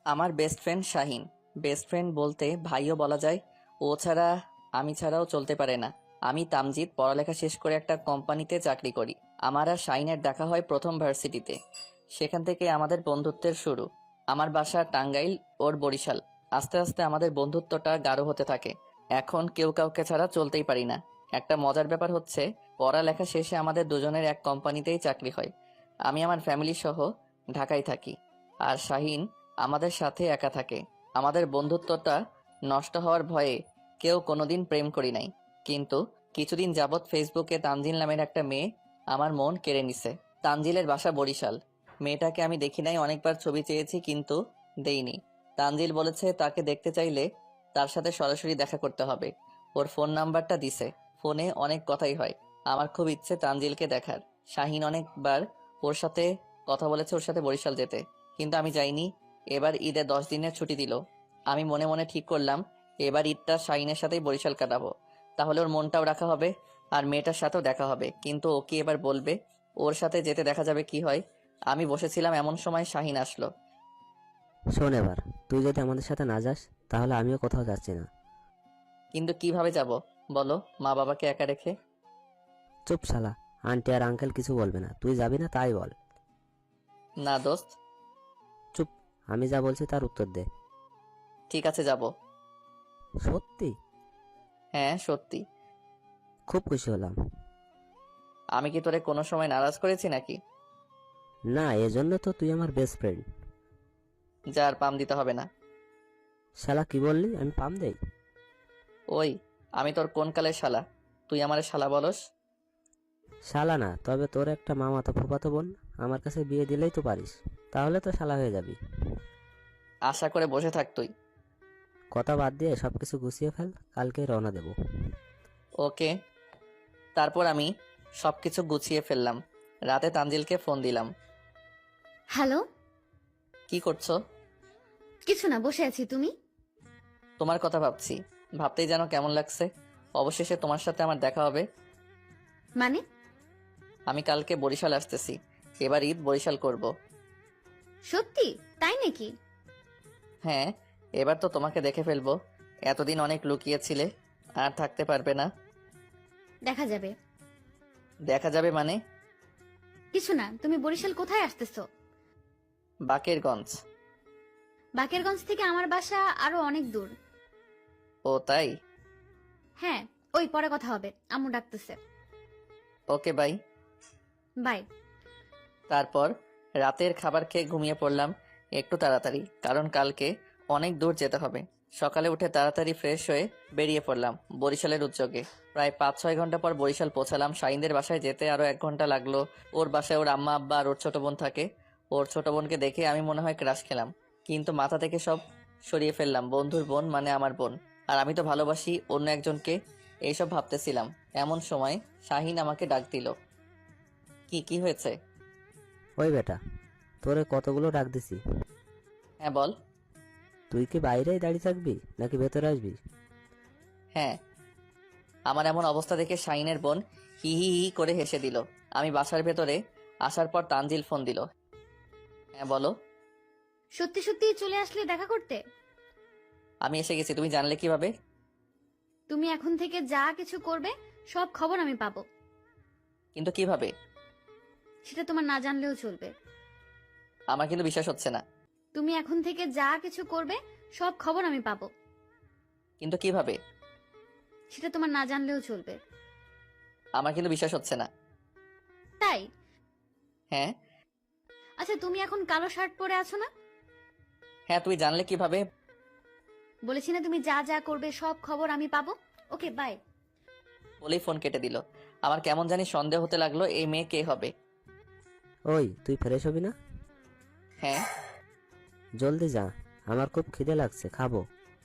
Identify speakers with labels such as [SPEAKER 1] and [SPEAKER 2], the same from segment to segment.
[SPEAKER 1] আমার best friend Shahin. Best friend বলতে ভাইও বলা যায়। ও ছাড়া আমি ছাড়াও চলতে পারে না। আমি তামজিৎ, পড়ালেখা শেষ করে একটা কোম্পানিতে চাকরি করি। আমার আর শাহিনের দেখা হয় প্রথম ভার্সিটিতে। সেখান থেকে আমাদের বন্ধুত্বের শুরু। আমার বাসা টাঙ্গাইল, ওর বরিশাল। আস্তে আস্তে আমাদের বন্ধুত্বটা গাঢ় হতে থাকে। এখন কেউ কাউকে ছাড়া চলতেই পারি না। একটা মজার ব্যাপার হচ্ছে, পড়ালেখা শেষে আমাদের দুজনের এক কোম্পানিতেই চাকরি হয়। আমি আমার ফ্যামিলি সহ ঢাকায় থাকি, আর শাহিন আমাদের সাথে একা থাকে। আমাদের বন্ধুত্বটা নষ্ট হওয়ার ভয়ে কেউ কোনোদিন প্রেম করি নাই। কিন্তু কিছুদিন যাবৎ ফেসবুকে তানজিল নামের একটা মেয়ে আমার মন কেড়ে নিছে। তানজিলের বাসা বরিশাল। মেয়েটাকে আমি দেখি নাই, অনেকবার ছবি চেয়েছি কিন্তু দেইনি। তানজিল বলেছে তাকে দেখতে চাইলে তার সাথে সরাসরি দেখা করতে হবে। ওর ফোন নাম্বারটা দিছে। ফোনে অনেক কথাই হয়। আমার খুব ইচ্ছে তানজিলকে দেখার। শাহিন অনেকবার ওর সাথে কথা বলেছে ওর সাথে বরিশাল যেতে, কিন্তু আমি যাইনি। এবার ঈদে 10 দিনের ছুটি দিল। আমি মনে মনে ঠিক করলাম এবার ঈদটা শাহিনের সাথেই বরিশাল কাটাবো। তাহলে ওর মনটাও রাখা হবে, আর মেয়েটার সাথেও দেখা হবে। কিন্তু ও কি এবার বলবে? ওর সাথে যেতে দেখা যাবে কি হয়। আমি বসেছিলাম, এমন সময় শাহিন আসলো।
[SPEAKER 2] শোন, এবার তুই যদি আমাদের সাথে না যাস তাহলে আমিও কোথাও যাচ্ছি না।
[SPEAKER 1] কিন্তু কিভাবে যাব বলো, মা বাবাকে একা রেখে?
[SPEAKER 2] চুপ শালা, আন্টি আর আঙ্কেল কিছু বলবে না, তুই যাবি না তাই বল।
[SPEAKER 1] না দোস্ত।
[SPEAKER 2] চুপ, আমি যা বলছি তার উত্তর দে।
[SPEAKER 1] ঠিক আছে, যাব।
[SPEAKER 2] সত্যি?
[SPEAKER 1] হ্যাঁ সত্যি।
[SPEAKER 2] খুব খুশি হলাম।
[SPEAKER 1] আমি কি তোরে কোনো সময় নারাজ করেছি নাকি?
[SPEAKER 2] না, এজন্য তো তুই আমার বেস্ট ফ্রেন্ড।
[SPEAKER 1] যার পাম দিতে হবে না।
[SPEAKER 2] শালা কি বললি? আমি পাম দেই?
[SPEAKER 1] ওই, আমি তোর কোন কালের শালা? তুই আমারে শালা বলস?
[SPEAKER 2] শালা না, তবে তোর একটা মামাতো ফুফাতো বোন আমার কাছে বিয়ে দিলেই তো পারিস, তাহলে তো শালা হয়ে যাবি।
[SPEAKER 1] আশা করে বসে থাক তুই।
[SPEAKER 2] কথা বাদ দিয়ে সবকিছু গুছিয়ে ফেল, কালকে রওনা দেব।
[SPEAKER 1] ওকে। তারপর আমি সবকিছু গুছিয়ে ফেললাম। রাতে তানজিলকে ফোন দিলাম।
[SPEAKER 3] হ্যালো।
[SPEAKER 1] কি করছো?
[SPEAKER 3] কিছু না, বসে আছি। তুমি?
[SPEAKER 1] তোমার কথা ভাবছি। ভাবতেই যেন কেমন লাগছে। অবশেষে তোমার সাথে আমার দেখা হবে।
[SPEAKER 3] মানে?
[SPEAKER 1] আমি কালকে বরিশাল আসতেছি। এবার ঈদ বরিশাল করব।
[SPEAKER 3] সত্যি? তাই নাকি?
[SPEAKER 1] হ্যাঁ, এবার তো তোমাকে দেখে ফেলবো। এতদিন অনেক লুকিয়েছিলে, আর থাকতে পারবে না।
[SPEAKER 3] দেখা যাবে।
[SPEAKER 1] দেখা যাবে মানে?
[SPEAKER 3] কিছু না, তুমি বরিশাল কোথায় আসতেছো?
[SPEAKER 1] বাকেরগঞ্জ।
[SPEAKER 3] বাকেরগঞ্জ থেকে আমার বাসা আরো অনেক দূর।
[SPEAKER 1] ও তাই?
[SPEAKER 3] হ্যাঁ। ওই পরে কথা হবে, আম্মু ডাকতেছে।
[SPEAKER 1] Okay bye.
[SPEAKER 3] বাই।
[SPEAKER 1] তারপর রাতের খাবার খেয়ে ঘুমিয়ে পড়লাম একটু তাড়াতাড়ি, কারণ কালকে অনেক দূর যেতে হবে। সকালে উঠে তাড়াতাড়ি ফ্রেশ হয়ে বেরিয়ে পড়লাম বরিশালের উদ্যোগে। প্রায় 5-6 ঘন্টা পর বরিশাল পৌঁছালাম। শাহিনদের বাসায় যেতে আরো 1 ঘন্টা লাগলো। ওর বাসায় ওর আম্মা আব্বা আর ওর ছোট বোন থাকে। ওর ছোট বোনকে দেখে আমি মনে হয় ক্রাশ খেলাম, কিন্তু মাথা থেকে সব সরিয়ে ফেললাম। বন্ধুর বোন মানে আমার বোন, আর আমি তো ভালোবাসি অন্য একজনকে। এইসব ভাবতেছিলাম, এমন সময় শাহিন আমাকে ডাক দিল। কি কি হয়েছে?
[SPEAKER 2] ওই বেটা, তোরে কতগুলো ডাক দিছি।
[SPEAKER 1] হ্যাঁ বল।
[SPEAKER 2] তুই কি বাইরেই দাঁড়িয়ে থাকবি নাকি ভেতরে আসবি?
[SPEAKER 1] হ্যাঁ। আমার এমন অবস্থা দেখে শাহিনের বোন হি হি হি করে হেসে দিল। আমি বাসার ভেতরে আসার পর তানজিল ফোন দিল। হ্যাঁ বলো।
[SPEAKER 3] সত্যি সত্যি চলে আসলে দেখা করতে?
[SPEAKER 1] আমি এসে গেছি, তুমি জানলে কিভাবে?
[SPEAKER 3] তুমি এখন থেকে যা কিছু করবে সব খবর আমি পাবো।
[SPEAKER 1] কিন্তু কিভাবে?
[SPEAKER 3] সেটা তোমার না জানলেও চলবে।
[SPEAKER 1] আমার কিন্তু বিশ্বাস হচ্ছে না।
[SPEAKER 3] তুমি এখন থেকে যা কিছু করবে সব খবর আমি পাবো।
[SPEAKER 1] কিন্তু কিভাবে?
[SPEAKER 3] সেটা তোমার না জানলেও চলবে।
[SPEAKER 1] আমার কিন্তু বিশ্বাস হচ্ছে না।
[SPEAKER 3] তাই?
[SPEAKER 1] হ্যাঁ।
[SPEAKER 3] আচ্ছা, তুমি এখন কালো শার্ট পরে আছো না?
[SPEAKER 1] হ্যাঁ, তুমি জানলে কিভাবে?
[SPEAKER 3] বলেছি না, তুমি যা যা করবে সব খবর আমি পাবো। ওকে, বাই।
[SPEAKER 1] বলেই ফোন কেটে দিল। আমার কেমন জানি সন্দেহ হতে লাগলো, এই মেয়ে কে হবে।
[SPEAKER 2] ওই, তুই ফ্রেশ হবি না?
[SPEAKER 1] হ্যাঁ।
[SPEAKER 2] জলদি যা, আমার খুব খিদে লাগছে, খাবো।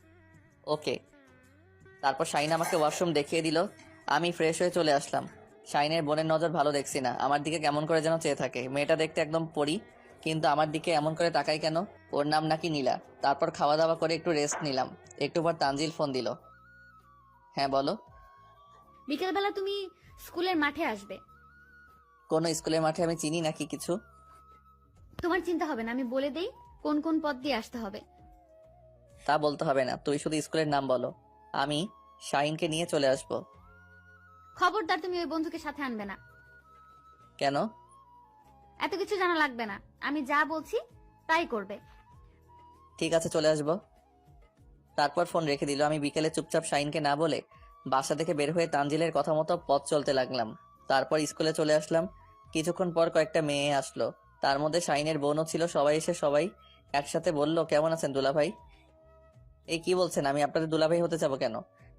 [SPEAKER 1] ওকে। তারপর শাহিন আমাকে ওয়াশরুম দেখিয়ে দিল। আমি ফ্রেশ হয়ে চলে আসলাম। শাহিনের বোনের নজর ভালো দেখছি না, আমার দিকে কেমন করে যেন চেয়ে থাকে। মেয়েটা দেখতে একদম পরি, কিন্তু আমার দিকে এমন করে তাকাই কেন? ওর নাম নাকি নীলা। তারপর খাওয়া দাওয়া করে একটু রেস্ট নিলাম। একটু পর তানজিল ফোন দিল। হ্যাঁ বলো।
[SPEAKER 3] বিকেলবেলা তুমি স্কুলের মাঠে আসবে।
[SPEAKER 1] কোন স্কুলের মাঠে? আমি চিনি নাকি কিছু?
[SPEAKER 3] তোমার চিন্তা হবে না, আমি বলে দেই। কোন কোন পথ দিয়ে আসতে হবে।
[SPEAKER 1] তা বলতে হবে না, তুই শুধু স্কুলের নাম বলো, আমি শাহিনকে নিয়ে চলে আসবো।
[SPEAKER 3] খবরদার তুমি ওই বন্ধুকে সাথে আনবে না।
[SPEAKER 1] কেন?
[SPEAKER 3] এত কিছু জানা লাগবে না, আমি যা বলছি তাই করবে।
[SPEAKER 1] ঠিক আছে, চলে আসবো। তারপর ফোন রেখে দিল। আমি বিকেলে চুপচাপ শাহিনকে না বলে বাসা থেকে বের হয়ে তানজিলের কথা মতো পথ চলতে লাগলাম। তারপর স্কুলে চলে আসলাম। কিছুক্ষণ পর কয়েকটা মেয়ে আসলো, তার মধ্যে শাহিনের বোনও ছিল। সবাই এসে সবাই একসাথে বলল, কেমন আছেন দুলাভাই? এই কি বলছেন, আমি আপনাদের দুলাভাই হতে যাবো কেন?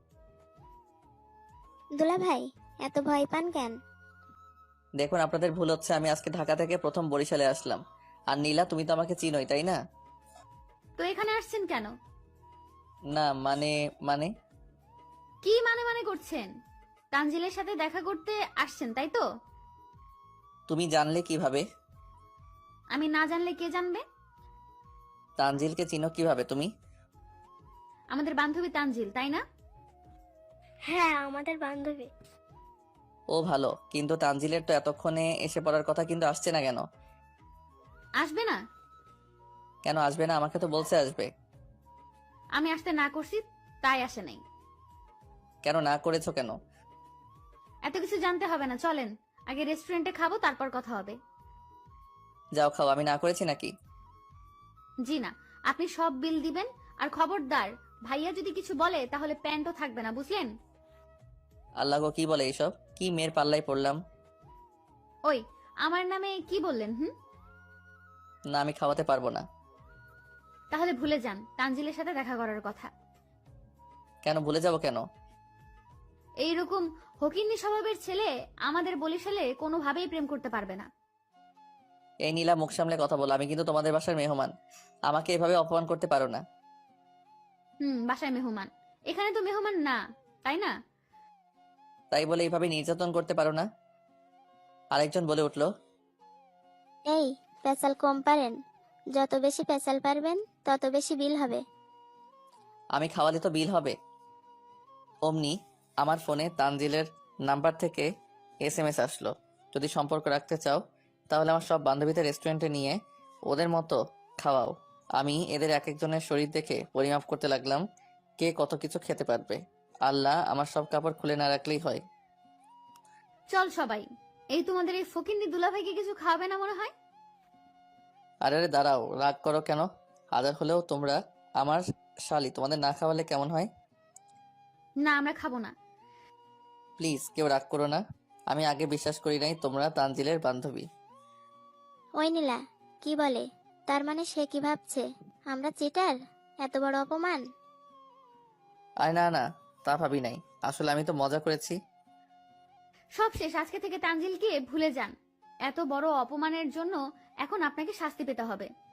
[SPEAKER 4] দুলা ভাই, এত ভয় পান কেন?
[SPEAKER 1] দেখুন, আপনাদের ভুল হচ্ছে। আমি আজকে ঢাকা থেকে প্রথম বরিশালে আসলাম। আর নীলা, তুমি তো আমাকে চিনোই, তাই না?
[SPEAKER 3] তো এখানে আসছেন কেন?
[SPEAKER 1] না মানে মানে
[SPEAKER 3] কি মানে মানে করছেন? তানজিলের সাথে দেখা করতে আসছেন তাই তো?
[SPEAKER 1] তুমি জানলে কিভাবে?
[SPEAKER 3] আমি না জানলে কে জানবে?
[SPEAKER 1] তানজিলকে চিনো কিভাবে তুমি?
[SPEAKER 3] আমাদের বান্ধবী তানজিল, তাই না?
[SPEAKER 4] হ্যাঁ, আমাদের বান্ধবী।
[SPEAKER 1] ও ভালো, কিন্তু তানজিলের তো এতক্ষণে এসে পড়ার কথা, কিন্তু আসছে না কেন?
[SPEAKER 3] আসবে না?
[SPEAKER 1] কেন আসবে না? আমাকে তো বলছে আসবে।
[SPEAKER 3] আমি আসতে না করছি তাই আসে নাই।
[SPEAKER 1] কেন না করেছো কেন?
[SPEAKER 3] এত কিছু জানতে হবে না, চলেন আগে রেস্টুরেন্টে খাবো, তারপর কথা হবে।
[SPEAKER 1] যাও খাও, আমি না করেছি নাকি?
[SPEAKER 3] জি না, আপনি সব বিল দিবেন। আর খবরদার, ভাইয়া যদি কিছু বলে তাহলে প্যান্টও থাকবে না, বুঝলেন?
[SPEAKER 1] আল্লাহ গো, কি বলে এইসব? কি মেয়ের পাল্লায় পড়লাম।
[SPEAKER 3] ওই, আমার নামে কি বললেন?
[SPEAKER 1] না, আমি খাওয়াতে পারবো না।
[SPEAKER 3] তাহলে ভুলে যান তানজিলের সাথে দেখা করার কথা।
[SPEAKER 1] কেন ভুলে যাব কেন?
[SPEAKER 3] এইরকম হকিন্নি স্বভাবের ছেলে আমাদের বরিশালে কোনোভাবেই প্রেম করতে পারবে না।
[SPEAKER 1] এই নীলা, মুখ সামলে কথা বলো। আমি কিন্তু তোমাদের বাসার মেহমান, আমাকে এভাবে অপমান করতে পারো না।
[SPEAKER 3] বাসায় মেহমান? এখানে তো মেহমান না, তাই না?
[SPEAKER 1] তাই বলে এইভাবে নির্যাতন করতে পারো না। আরেকজন বলে উঠলো,
[SPEAKER 4] এই, পেশাল কম পারেন? যত বেশি পেশাল পারবেন তত বেশি বিল হবে।
[SPEAKER 1] আমি খাওয়ালে তো বিল হবে। অমনি আমার ফোনে তানজিলের নাম্বার থেকে SMS আসলো, যদি সম্পর্ক রাখতে চাও তাহলে আমার সব বান্ধবীদের রেস্টুরেন্টে নিয়ে ওদের মতো খাওয়াও। আমি এদের এক একজনের শরীর দেখে পরিমাপ করতে লাগলাম, কে কত কিছু খেতে পারবে। আল্লাহ, আমার সব কাপড় খুলে না রাখলেই হয়।
[SPEAKER 3] চল সবাই, এই তোমাদের এই ফকিন্নি দুলাভাইকে কিছু খাওয়াবে না মনে হয়?
[SPEAKER 1] আরে আরে দাঁড়াও, রাগ করো কেন? হাজার হলেও তোমরা আমার শালি, তোমাদের না খাওয়ালে কেমন হয়?
[SPEAKER 3] না, আমরা খাবো না।
[SPEAKER 1] প্লিজ কেউ রাগ করো না। আমি আগে বিশ্বাস করি নাই তোমরা তানজিলের বান্ধবী।
[SPEAKER 4] ওই নীলা, কি বলে? তার মানে সে কি ভাবছে আমরা চিটার? এত বড় অপমান!
[SPEAKER 1] আরে না না, তা ভাবি নাই। আসলে আমি তো মজা করেছি।
[SPEAKER 3] সব শেষ, আজকে থেকে তানজিলকে ভুলে যান। এত বড় অপমানের জন্য এখন আপনাকে শাস্তি পেতে হবে।